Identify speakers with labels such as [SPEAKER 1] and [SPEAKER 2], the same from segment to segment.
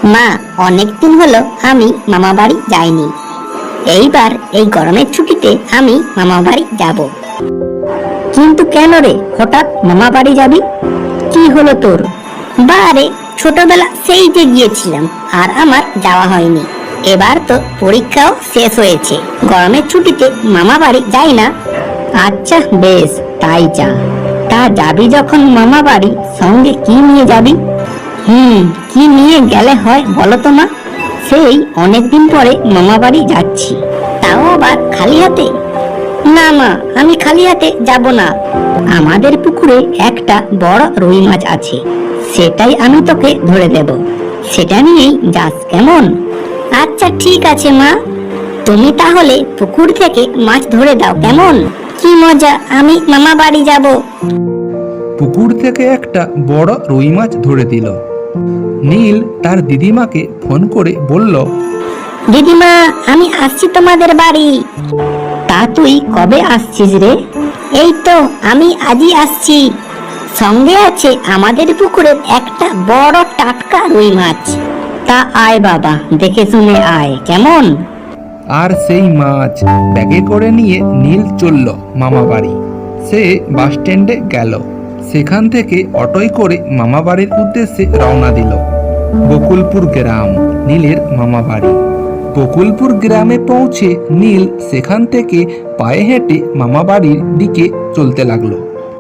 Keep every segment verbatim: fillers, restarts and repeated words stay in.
[SPEAKER 1] মা, অনেক দিন হলো আমি মামা বাড়ি যাইনি। এইবার এই গরমের ছুটিতে আমি মামা বাড়ি যাব। কিন্তু কেন রে, হঠাৎ মামা বাড়ি যাবি? কি হলো তোর? বারে, ছোটবেলা সেই যে গিয়েছিলাম, আর আমার যাওয়া হয়নি। এবার তো পরীক্ষাও শেষ হয়েছে, গরমের ছুটিতে মামা বাড়ি যাই না। আচ্ছা বেশ, তাই যা। তা যাবি যখন মামা বাড়ি, সঙ্গে কি নিয়ে যাবি? হুম কি নিয়ে গেলে হয় বলো তো মা? সেই অনেকদিন পরে মামা বাড়ি যাচ্ছি, তাও আবার খালি হাতে। না মা, আমি খালি হাতে যাব না। আমাদের পুকুরে একটা বড় রুই মাছ আছে, সেটাই আমি তোকে ধরে দেব। সেটা নিয়েই যাস, কেমন? আচ্ছা ঠিক আছে মা, তুমি তাহলে পুকুর থেকে মাছ ধরে দাও, কেমন? কি মজা, আমি মামা বাড়ি যাব।
[SPEAKER 2] পুকুর থেকে একটা বড় রুই মাছ ধরে দিল। নীল তার দিদিমাকে ফোন করে বলল,
[SPEAKER 1] দিদিমা, আমি আসছি তোমাদের বাড়ি। তা তুই কবে আসছিস রে? এই তো আমি আজই আসছি। সঙ্গে আছে আমাদের পুকুরের একটা বড় টাটকা রুই মাছ। তা আয় বাবা, দেখে শুনে আয়, কেমন?
[SPEAKER 2] আর সেই মাছ ব্যাগে করে নিয়ে নীল চলল মামা বাড়ি। সে বাস স্ট্যান্ডে গেল, সেখান থেকে অটোয় করে মামা বাড়ির উদ্দেশ্যে রওনা দিল। বকুলপুর গ্রাম নীলের মামা বাড়ি। বকুলপুর গ্রামে পৌঁছে নীল সেখান থেকে পায়ে হেঁটে মামা বাড়ির দিকে চলতে লাগলো।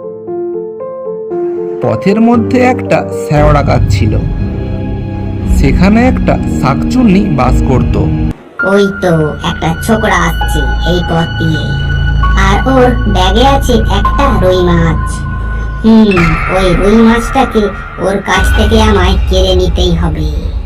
[SPEAKER 2] পথের মধ্যে একটা শেওড়া গাছ ছিল, সেখানে একটা শাকচুন্নি বাস করত।
[SPEAKER 1] ওই তো একটা ছোকরা আসছে এই পথ দিয়ে, আর ওর ব্যাগে আছে একটা রুই মাছ। হুম ওই রুই মাছটাকে ওর কাছ থেকে আমায় কেড়ে নিতেই হবে।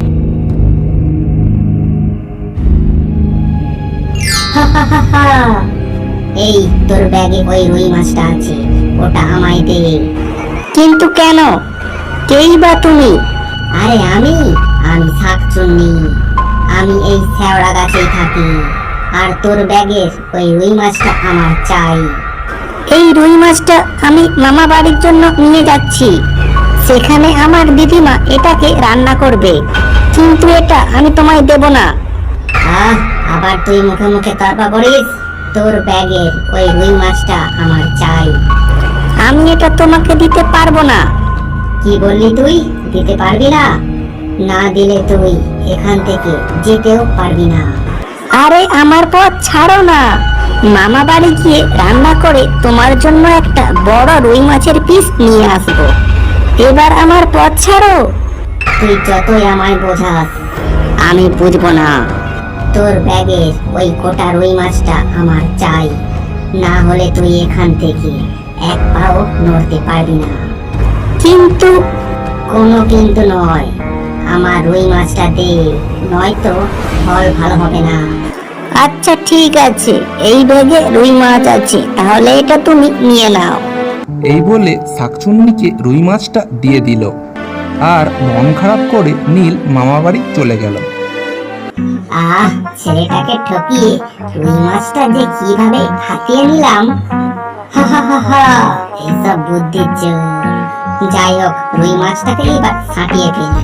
[SPEAKER 1] এই তোর ব্যাগে ওই রুই মাছটা আছে, ওটা আমায় দে। কিন্তু কেন? কেই বা তুমি? আরে আমি আমি শাকচুন্নি, আমি এই শেওড়া গাছেই থাকি, আর তোর ব্যাগের ওই রুই মাছটা আমার চাই। এই রুই মাছটা আমি মামা বাড়ির জন্য নিয়ে যাচ্ছি, সেখানে আমার দিদিমা এটাকে রান্না করবে, কিন্তু এটা আমি তোমায় দেব না। আহ, আবার তুই মুখে মুখে তর্ক করিস? তোর ব্যাগের ওই রুই মাছটা আমার চাই। আমি এটা তোমাকে দিতে পারবো না। কি বললি তুই? দিতে পারবি না? না দিলে তুই এখান থেকে যেতেও পারবি না। আরে আমার পথ ছাড়ো না, মামা বাড়ি গিয়ে রান্না করে তোমার জন্য একটা বড় রুই মাছের পিস নিয়ে আসবো। এবার আমার পথ ছাড়ো। তুই যতই আমায় বোঝাস, আমি বুঝবো না। তোর ব্যাগের ওই গোটা রুই মাছটা আমার চাই, না হলে তুই এখান থেকে এক পাও নড়তে পারবি না। কিন্তু? কোনো কিন্তু নয়, আমার রুই মাছটা দে, নয়তো ফল ভালো হবে না। আচ্ছা ঠিক আছে, এই ব্যাগে রুই মাছ আছে, তাহলে এটা তুমি নিয়ে নাও।
[SPEAKER 2] এই বলে শাকচুন্নিকে রুই মাছটা দিয়ে দিল, আর মন খারাপ করে নীল মামা বাড়ি চলে গেল।
[SPEAKER 1] আহ, ছেলেটাকে ঠকিয়ে রুই মাছটা যে কিভাবে হাতিয়ে নিলাম। হা হা হা হা, এসব বুদ্ধির জোর। যাই হোক, রুই মাছটাকে এবার ছাটিয়ে ফেলি।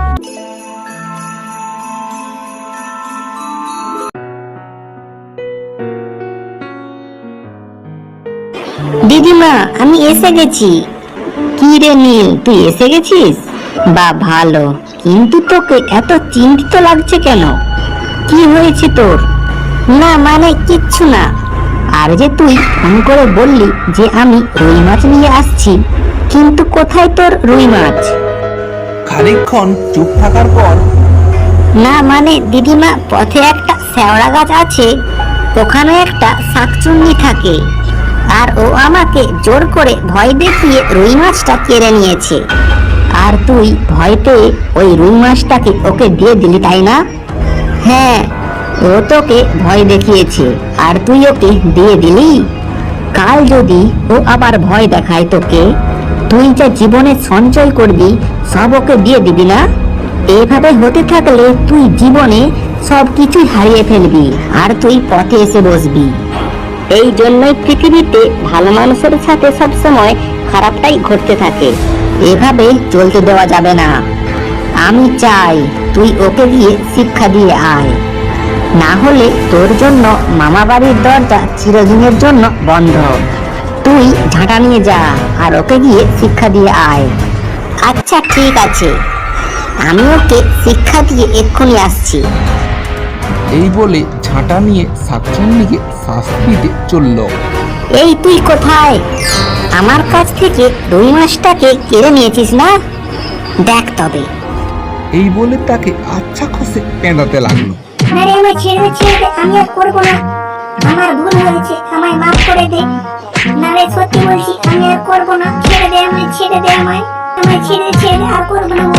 [SPEAKER 1] দিদিমা, আমি এসে গেছি। কি রে নীল, তুই এসে গেছিস? বা ভালো, কিন্তু তোকে এত চিন্তিত লাগছে কেন? কি হয়েছে তোর? না মানে কিচ্ছু না। আর যে তুই ফোন করে বললি যে আমি রুই মাছ নিয়ে আসছি, কিন্তু কোথায় তোর রুই মাছ?
[SPEAKER 2] খানিকক্ষণ চুপ থাকার পর,
[SPEAKER 1] না মানে দিদিমা, পথে একটা শেওড়া গাছ আছে, ওখানে একটা শাকচুন্নি থাকে, আর ও আমাকে জোর করে ভয় দেখিয়ে রুই মাছটা কেড়ে নিয়েছে। আর তুই ভয় পেয়ে ওই রুই মাছটাকে ওকে দিয়ে দিলি, তাই না? হ্যাঁ, ও তোকে ভয় দেখিয়েছে আর তুই ওকে দিয়ে দিলি। কাল যদি ও আবার ভয় দেখায় তোকে, তুই যা জীবনে সঞ্চয় করবি সব ওকে দিয়ে দিবি না? এভাবে হতে থাকলে তুই জীবনে সব কিছুই হারিয়ে ফেলবি, আর তুই পথে এসে বসবি। এই জন্যই পৃথিবীতে ভালো মানুষের সাথে সবসময় খারাপটাই ঘটতে থাকে। এভাবে চলতে দেওয়া যাবে না। আমি চাই তুই ওকে দিয়ে শিক্ষা দিয়ে আয়, না হলে তোর জন্য মামা বাড়ির দরজা চিরদিনের জন্য বন্ধ। তুই ঝাঁটা নিয়ে যা আর ওকে গিয়ে শিক্ষা দিয়ে আয়। আচ্ছা ঠিক আছে, আমি ওকে শিক্ষা দিয়ে এক্ষুনি আসছি।
[SPEAKER 2] এই বলে ঝাঁটা নিয়ে শাকচুন্নিকে শাস্তি দিতে চলল।
[SPEAKER 1] এই তুই কোথায়? আমার কাছ থেকে রুই মাছটাকে কেড়ে নিয়েছিস না? দেখ তবে।
[SPEAKER 2] এই বলে তাকে আচ্ছা খসে পেঁদাতে লাগলো।
[SPEAKER 1] আরে আমায় ছেড়ে দে, ছেড়ে দে, আমি আর করবো না। আমার ভুল হয়েছে, আমায় মাফ করে দে। না রে, সত্যি বলছি, আমি আর করবো না। ছেড়ে দে আমায়, ছেড়ে দে আমায়, আমায় ছেড়ে দে, ছেড়ে দে, আর করবো না।